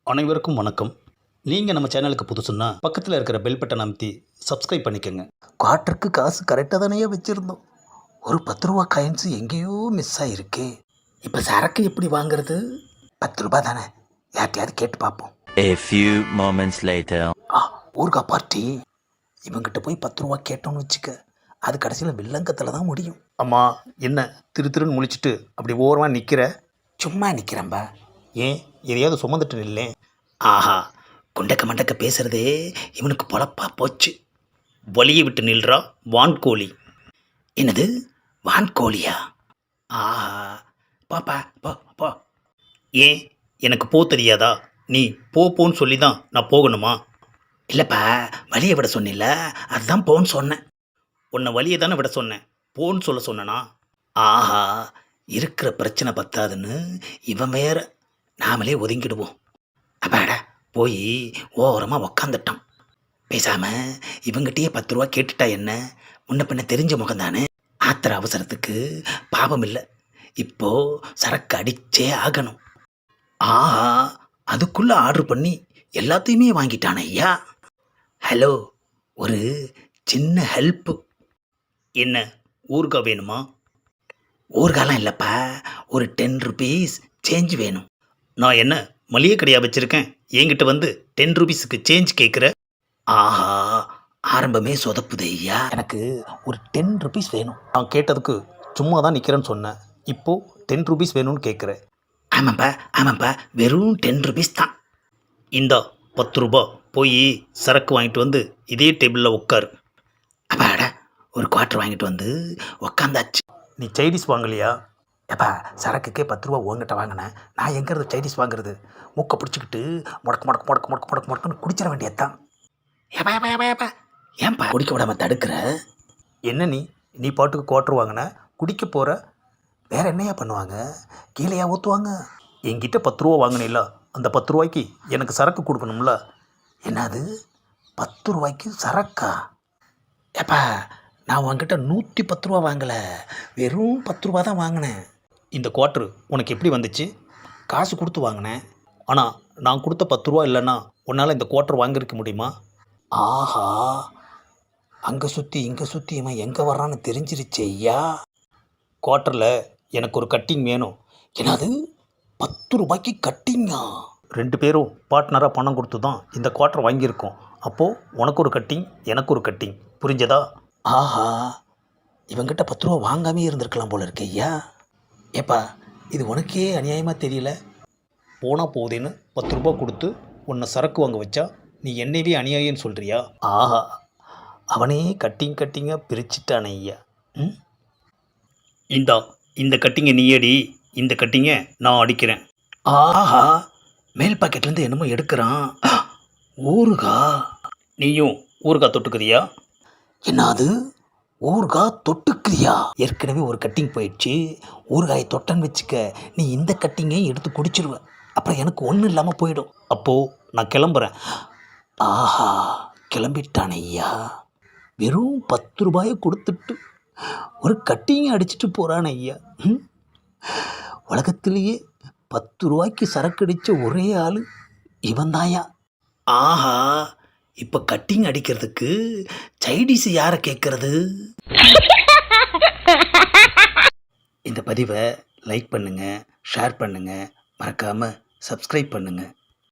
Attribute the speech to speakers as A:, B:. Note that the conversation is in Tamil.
A: அனைவருக்கும் வணக்கம். நீங்கள் நம்ம சேனலுக்கு புதுசுன்னா பக்கத்தில் இருக்கிற பெல் பட்டன் அமைத்தி சப்ஸ்கிரைப் பண்ணிக்கோங்க.
B: குவார்ட்டருக்கு காசு கரெக்டாக தானே வச்சுருந்தோம். ஒரு 10 ரூபா காயின்ஸு எங்கேயோ மிஸ் ஆகிருக்கு. இப்போ சரக்கு எப்படி வாங்குறது? 10 ரூபா தானே, யார்ட்டையாவது கேட்டு பார்ப்போம்.
C: A few moments later.
B: ஊர்கா பார்ட்டி. இவங்கிட்ட போய் 10 ரூபா கேட்டோன்னு வச்சுக்க, அது கடைசியில் வில்லங்கத்தில் தான் முடியும்.
A: அம்மா, என்ன திருன்னு முழிச்சிட்டு அப்படி ஓரமாக நிற்கிற?
B: சும்மா நிற்கிறேன்பா.
A: ஏன் எதையாவது சுமந்துட்டு நில்லேன்.
B: ஆஹா, குண்டக்க மண்டக்க பேசுகிறதே இவனுக்கு பொழப்பா போச்சு.
A: வழியை விட்டு நில்றா வான்கோழி.
B: என்னது வான்கோழியா? ஆஹா, பாப்பா போ போ.
A: ஏன் எனக்கு போ தெரியாதா? நீ போன்னு சொல்லி தான் நான் போகணுமா?
B: இல்லைப்பா, வழியை விட சொன்னில்ல, அதுதான் போன்னு சொன்னேன்.
A: உன்னை வழியை தானே விட சொன்னேன், போன்னு சொல்ல சொன்னனா?
B: ஆஹா, இருக்கிற பிரச்சனை பத்தாதுன்னு இவன் வேற. நாமளே ஒதுங்கிடுவோம். அப்பாடா, போய் ஓரமாக உக்காந்துட்டான். பேசாமல் இவங்கிட்டயே 10 ரூபா கேட்டுட்டா என்ன, முன்ன பின்ன தெரிஞ்ச முகம் தானே. ஆத்திர அவசரத்துக்கு பாவம் இல்லை, இப்போ சரக்கு அடிச்சே ஆகணும். ஆஹா, அதுக்குள்ளே ஆர்டர் பண்ணி எல்லாத்தையுமே வாங்கிட்டானே ஐயா. ஹலோ, ஒரு சின்ன ஹெல்ப்பு.
A: என்ன ஊருக்கா வேணுமா?
B: ஊர்காலம் இல்லைப்பா, ஒரு 10 ருபீஸ் சேஞ்ச் வேணும்.
A: நான் என்ன மளிகை கடையாக வச்சுருக்கேன், என்கிட்ட வந்து 10 ருபீஸுக்கு சேஞ்ச் கேட்குற?
B: ஆஹா, ஆரம்பமே சொதப்புது ஐயா. எனக்கு ஒரு 10 ருபீஸ் வேணும்.
A: நான் கேட்டதுக்கு சும்மா தான் நிற்கிறேன்னு சொன்னேன், இப்போது 10 ருபீஸ் வேணும்னு கேட்குறேன்.
B: ஆமாப்பா ஆமாப்பா, வெறும் 10 ருபீஸ் தான்.
A: இந்தா 10 ரூபா, போய் சரக்கு வாங்கிட்டு வந்து இதே டேபிளில் உட்காரு.
B: அப்பாடா, ஒரு குவார்ட்டர் வாங்கிட்டு வந்து உக்காந்தாச்சு.
A: நீ சைடிஸ் வாங்கலையா?
B: எப்பா, சரக்குக்கே 10 ரூபா உங்ககிட்ட வாங்கினேன், நான் எங்கிறது சைடிஸ் வாங்குறது? மூக்கை பிடிச்சிக்கிட்டு முடக்கு முடக்கு முடக்கு முடக்கு முடக்கு முடக்குன்னு குடிச்சிட வேண்டியதுதான். ஏப்பா ஏப்பா ஏப்பா ஏப்பா, ஏன்பா குடிக்க விடாம தடுக்கிற?
A: என்ன நீ பாட்டுக்கு குவார்ட்டர் வாங்கின, குடிக்க போகிற?
B: வேற என்னையா பண்ணுவாங்க? கீழேயா ஊற்றுவாங்க?
A: என்கிட்ட 10 ரூபா வாங்கினில்ல, அந்த 10 ரூபாய்க்கு எனக்கு சரக்கு கொடுக்கணும்ல.
B: என்னது 10 ரூபாய்க்கு சரக்கா? ஏப்பா, நான் உங்ககிட்ட 110 ரூபா வாங்கலை, வெறும் 10 ரூபா தான் வாங்கினேன்.
A: இந்த குவார்ட்டர் உனக்கு எப்படி வந்துச்சு?
B: காசு கொடுத்து வாங்கினேன்.
A: ஆனால் நான் கொடுத்த 10 ரூபா இல்லைன்னா உன்னால் இந்த குவார்ட்டர் வாங்கியிருக்க முடியுமா?
B: ஆஹா, அங்கே சுற்றி இங்கே சுற்றி இவன் எங்கே வர்றான்னு தெரிஞ்சிருச்சு ஐயா.
A: குவார்ட்டரில் எனக்கு ஒரு கட்டிங் வேணும்.
B: என்னது 10 ரூபாய்க்கு கட்டிங்கா?
A: 2 பேரும் பார்ட்னராக பணம் கொடுத்து தான் இந்த குவார்ட்டர் வாங்கியிருக்கோம். அப்போது உனக்கு ஒரு கட்டிங், எனக்கு ஒரு கட்டிங், புரிஞ்சதா?
B: ஆஹா, இவங்கிட்ட 10 ரூபா வாங்காமே இருந்திருக்கலாம் போல இருக்கு ஐயா. ஏப்பா, இது உனக்கே அநியாயமாக தெரியல?
A: போனால் போகுதேன்னு 10 ரூபா கொடுத்து உன்னை சரக்கு வாங்க வச்சா நீ என்னையே அநியாயம்னு சொல்கிறியா?
B: ஆஹா, அவனே கட்டிங்காக பிரிச்சுட்டானே ஐயா.
A: இந்த கட்டிங்கை நீ அடி, இந்த கட்டிங்கை நான் அடிக்கிறேன்.
B: ஆஹா, மேல் பாக்கெட்லேருந்து என்னமோ எடுக்கிறான். ஊறுகா.
A: நீயும் ஊறுகாய் தொட்டுக்கிறியா?
B: என்னது ஊறுகா தொட்டுக்கிறியா? ஏற்கனவே ஒரு கட்டிங் போயிடுச்சு, ஊறுகாயை தொட்டன்னு வச்சுக்க, நீ இந்த கட்டிங்கையும் எடுத்து குடிச்சிருவ, அப்புறம் எனக்கு ஒன்றும் இல்லாமல் போயிடும்.
A: அப்போது நான் கிளம்புறேன்.
B: ஆஹா, கிளம்பிட்டான் ஐயா. வெறும் 10 ரூபாயை கொடுத்துட்டு ஒரு கட்டிங்கை அடிச்சுட்டு போகிறான் ஐயா. உலகத்திலேயே 10 ரூபாய்க்கு சரக்கு அடித்த ஒரே ஆள் இவன் தாயா. ஆஹா, இப்போ கட்டிங் அடிக்கிறதுக்கு சைடிஸ் யாரை கேட்குறது? இந்த பதிவை லைக் பண்ணுங்கள், ஷேர் பண்ணுங்கள், மறக்காமல் சப்ஸ்கிரைப் பண்ணுங்கள்.